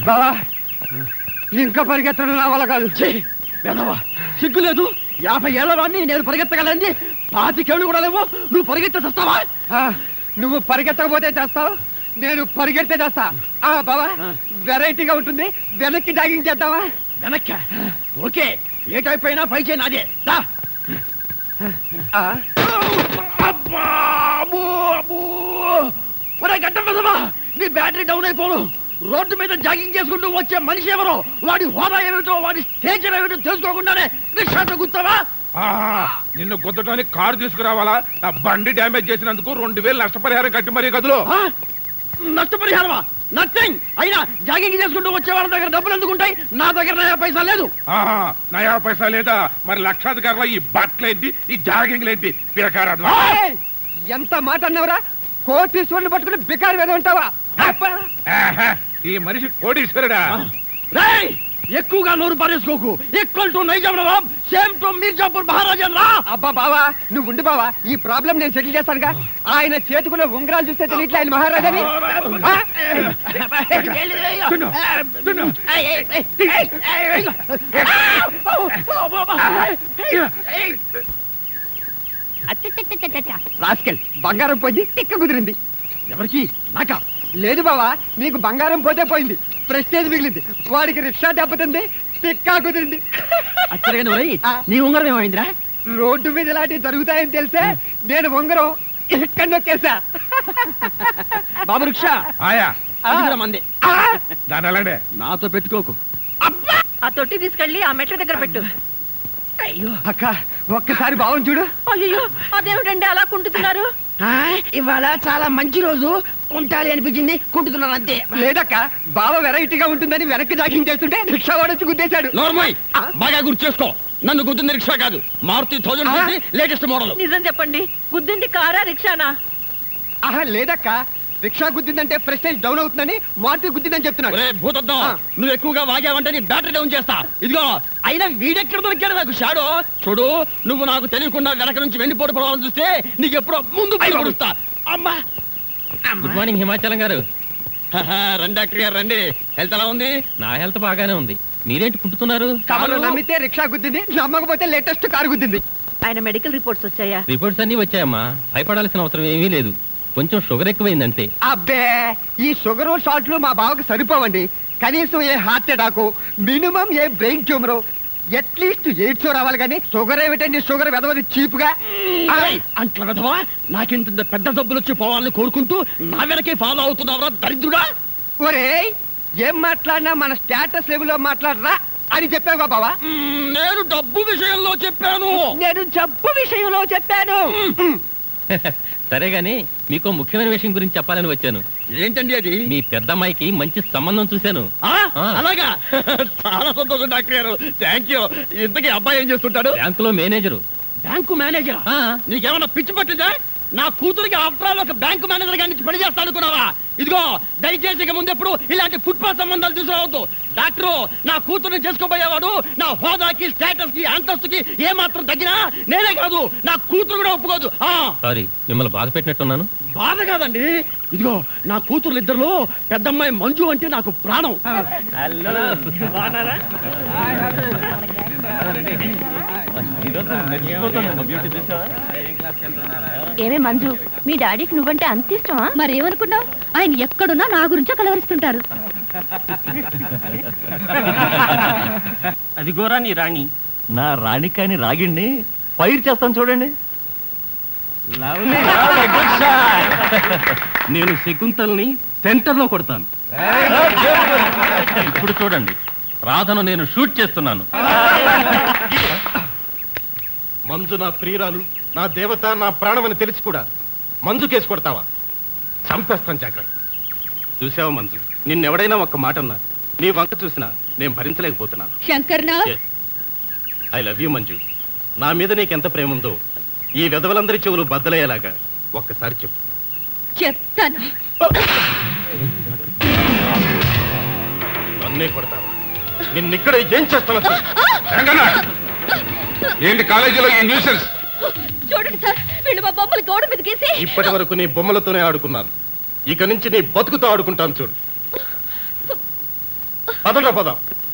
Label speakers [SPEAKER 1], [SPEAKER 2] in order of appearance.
[SPEAKER 1] బావా ఇంకా పరిగెత్తడం నా వల్ల కాదు.
[SPEAKER 2] వెదవా సిగ్గు లేదు. 50 ఏళ్ల వాడిని నేను పరిగెత్తగలండి. 25 ఏళ్ళు కూడా లేవు. నువ్వు పరిగెత్తే చేస్తావా?
[SPEAKER 1] నువ్వు పరిగెత్తకపోతే చేస్తావు, నేను పరిగెడితే చేస్తా. బావా వెరైటీగా ఉంటుంది, వెనక్కి జాగింగ్ చేద్దామా?
[SPEAKER 2] వెనక్క ఓకే. ఏ టైప్ అయినా పై చేయి నాదే. గడ్డ వెదవా నీ బ్యాటరీ డౌన్ అయిపోను. రోడ్డు మీద జాగింగ్ చేసుకుంటూ వచ్చే మనిషి ఎవరో, వాడి హోదా ఏమిటో, వాడి స్టేచర్ ఏమిటో తెలుసుకోకుండానే రిక్షాతో గుర్తావా?
[SPEAKER 3] నిన్ను గుద్దటానికి కారు తీసుకురావాలా? నా బండి డ్యామేజ్ చేసినందుకు 2000 నష్టపరిహారం కట్టి మరీ గదులు.
[SPEAKER 2] నష్టపరిహారమా? నథింగ్. అయినా జాగింగ్ చేసుకుంటూ వచ్చే వాళ్ళ దగ్గర డబ్బులు ఎందుకుంటాయి? నా దగ్గర నయా పైసా లేదు.
[SPEAKER 3] నయా పైసా లేదా? మరి లక్షాధికారుల ఈ బట్టలేంటి, ఈ జాగింగ్లేంటి? పిరకారాదు.
[SPEAKER 1] ఎంత మాట అన్నవరా? కోటీశ్వరుని పట్టుకుని బికారి మీద ఉంటావా?
[SPEAKER 3] ఈ మనిషి కోటీశ్వరుడా?
[SPEAKER 2] ఎక్కువగా నోరు పారేసుకోకు. Equal to Nizam nawab, same to Mirzapur maharaja రా.
[SPEAKER 1] అబ్బా బావా నువ్వు ఉండి బావా, ఈ ప్రాబ్లం నేను సెటిల్ చేస్తానుగా. ఆయన చేతుకున్న ఉంగరాలు చూస్తే తెలియట్లే ఆయన మహారాజాని. రాస్కెల్ బంగారం పోయి తిక్క కుదిరింది.
[SPEAKER 2] ఎవరికి? నాకా?
[SPEAKER 1] లేదు బావా, నీకు బంగారం పోతే పోయింది, ప్రెస్టేజ్ మిగిలింది. వాడికి రిక్షా దెబ్బతింది, తిక్కా కుదిరింది.
[SPEAKER 2] నీ ఉంగరం ఏమైందిరా?
[SPEAKER 1] రోడ్డు మీద ఇలాంటివి జరుగుతాయని తెలిసే నేను ఉంగరం ఇక్కడ నొక్కేసా.
[SPEAKER 2] బాబు రిక్షా
[SPEAKER 3] ఆయా
[SPEAKER 2] మంది
[SPEAKER 3] దాని అలానే
[SPEAKER 2] నాతో పెట్టుకోకు.
[SPEAKER 4] ఆ తొట్టి తీసుకెళ్ళి ఆ మెట్ల దగ్గర పెట్టు.
[SPEAKER 1] అయ్యో అక్క ఒక్కసారి బావం చూడు.
[SPEAKER 4] అయ్యో అదేమిటండి అలా కుంటున్నారు?
[SPEAKER 2] ఇవాళ చాలా మంచి రోజు, కుంటాలి అనిపించింది, కుంటున్నాను అంతే.
[SPEAKER 1] లేదక్క బావ వెరైటీగా ఉంటుందని వెనక్కి జాగింగ్ చేస్తుంటే రిక్షా వాడొచ్చి గుద్దేశాడు.
[SPEAKER 2] నోర్మోయ్ బాగా గుర్తు చేసుకో. నన్ను గుద్దింది రిక్షా కాదు, మారుతి 1000 లేటెస్ట్ మోడల్.
[SPEAKER 4] నిజం చెప్పండి, గుద్దింది కారా రిక్షానా?
[SPEAKER 1] లేదక్క రిక్షా గుద్దిందంటే ప్రెస్టేజ్ డౌన్ అవుతుందని మారుతి గుద్దిందని చెప్తున్నాడు.
[SPEAKER 2] భూతద్దం నువ్వు ఎక్కువగా వాగావంటే నీ బ్యాటరీ డౌన్ చేస్తా. ఇదిగో అయినా వీడెక్కడ దొరికాడు నాకు షాడో. చూడు నువ్వు నాకు తెలియకుండా వెనక నుంచి వెండిపోటు పడవాలని చూస్తే నీకు ఎప్పుడో ముందు పడుస్తా. అమ్మా
[SPEAKER 5] గుడ్ మార్నింగ్ హిమాచలం గారు.
[SPEAKER 2] రండి డాక్టర్ గారు రండి. హెల్త్ ఎలా ఉంది?
[SPEAKER 5] నా హెల్త్ బాగానే ఉంది. మీరేంటి కుంటున్నారు?
[SPEAKER 1] కారు నమ్మితే రిక్షా గుద్దింది, నమ్మకపోతే లేటెస్ట్ కారు గుద్దింది.
[SPEAKER 4] ఆయన మెడికల్ రిపోర్ట్స్ వచ్చాయా?
[SPEAKER 5] రిపోర్ట్స్ అన్ని వచ్చాయమ్మా, భయపడాల్సిన అవసరం ఏమీ లేదు. కొంచెం షుగర్ ఎక్కువైంది అంతే.
[SPEAKER 1] అబ్బే ఈ షుగర్ షార్ట్లు మా బావకు సరిపోవండి. కనీసం ఏ హార్ట్ అటాక్, మినిమం ఏ బ్రెయిన్ ట్యూమర్, అట్లీస్ట్ ఎయిడ్స్ రావాలి. కానీ షుగర్ ఏమిటండి? షుగర్ వెదవది చీప్ గా.
[SPEAKER 2] అంట్ల వెదవా, నాకింత పెద్ద డబ్బులు వచ్చి పోవాలని కోరుకుంటూ నా వెనకే ఫాలో అవుతున్నావురా దరిద్రుడా.
[SPEAKER 1] ఒరే ఏం మాట్లాడినా మన స్టేటస్ లెవెల్లో మాట్లాడరా అని చెప్పావుగా బావా.
[SPEAKER 2] నేను డబ్బు విషయంలో చెప్పాను.
[SPEAKER 1] నేను జబ్బు విషయంలో చెప్పాను.
[SPEAKER 5] సరే గాని మీకు ముఖ్యమైన విషయం గురించి చెప్పాలని వచ్చాను.
[SPEAKER 2] ఏంటండి అది?
[SPEAKER 5] మీ పెద్దమ్మాయికి మంచి సంబంధం చూశాను.
[SPEAKER 2] అలాగా? చాలా సంతోషం డాక్టర్ గారు, థ్యాంక్ యూ. ఇంతకీ అబ్బాయి ఏం చేస్తుంటాడు?
[SPEAKER 5] బ్యాంకులో మేనేజరు.
[SPEAKER 2] బ్యాంకు మేనేజరా? నీకేమన్నా పిచ్చి పట్టిందా? నా కూతురికి ఆఫ్టర్ ఒక బ్యాంకు మేనేజర్ గారి నుంచి పని చేస్తా అనుకున్నావా? ఇదిగో దయచేసి ఇక ముందెప్పుడు ఇలాంటి ఫుట్పాత్ సంబంధాలు తీసుకురావద్దు. డాక్టరు నా కూతుర్ని చేసుకోబోయేవాడు నా హోదాకి, స్టేటస్ కి, అంతస్తుకి ఏ మాత్రం తగ్గినా నేనే కాదు నా కూతురు కూడా ఒప్పుకోదు.
[SPEAKER 5] సారీ మిమ్మల్ని బాధ పెట్టినట్టున్నాను.
[SPEAKER 2] బాధ కాదండి, ఇదిగో నా కూతురు ఇద్దరులో పెద్దమ్మాయి మంజు అంటే నాకు ప్రాణం.
[SPEAKER 4] ఏమే మంజు, మీ డాడీకి నువ్వంటే అంత ఇష్టమా? మరేమనుకున్నావు? ఆయన ఎక్కడున్నా నా గురించే కలవరిస్తుంటారు.
[SPEAKER 6] అదిగోరా నీ రాణి. నా రాణి కాని రాగిణ్ణి ఫైర్ చేస్తాను చూడండి. నేను శకుంతల్ని సెంటర్ లో కొడతాను.
[SPEAKER 5] ఇప్పుడు చూడండి, రాధను నేను షూట్ చేస్తున్నాను.
[SPEAKER 7] మంజు నా ప్రియురాలు, నా దేవత, నా ప్రాణమని తెలిసి కూడా మంజు కేసు కొడతావా? చంపేస్తాను జాగ్రత్త. చూసావా మంజు, నిన్నెవడైనా ఒక్క మాట అన్నా, నీ వంక చూసినా నేను భరించలేకపోతున్నాను. I love you Manju. నా మీద నీకెంత ప్రేమ ఉందో ఈ వెధవలందరి చెవులు బద్దలయ్యేలాగా ఒక్కసారి చెప్పు.
[SPEAKER 4] చెప్తాను.
[SPEAKER 7] నన్నే కొడతావా? నిన్నిక్కడ ఏం చేస్తాను?
[SPEAKER 3] ఏంటి కాలేజీలో ఈ న్యూసెన్స్?
[SPEAKER 4] చూడండి సార్, వీళ్ళు మా బొమ్మలు గోడ మీద గీసి.
[SPEAKER 7] ఇప్పటి వరకు నీ బొమ్మలతోనే ఆడుకున్నాను, ఇక నుంచి నీ బతుకుతో ఆడుకుంటాను చూడు. పదట పోదాం.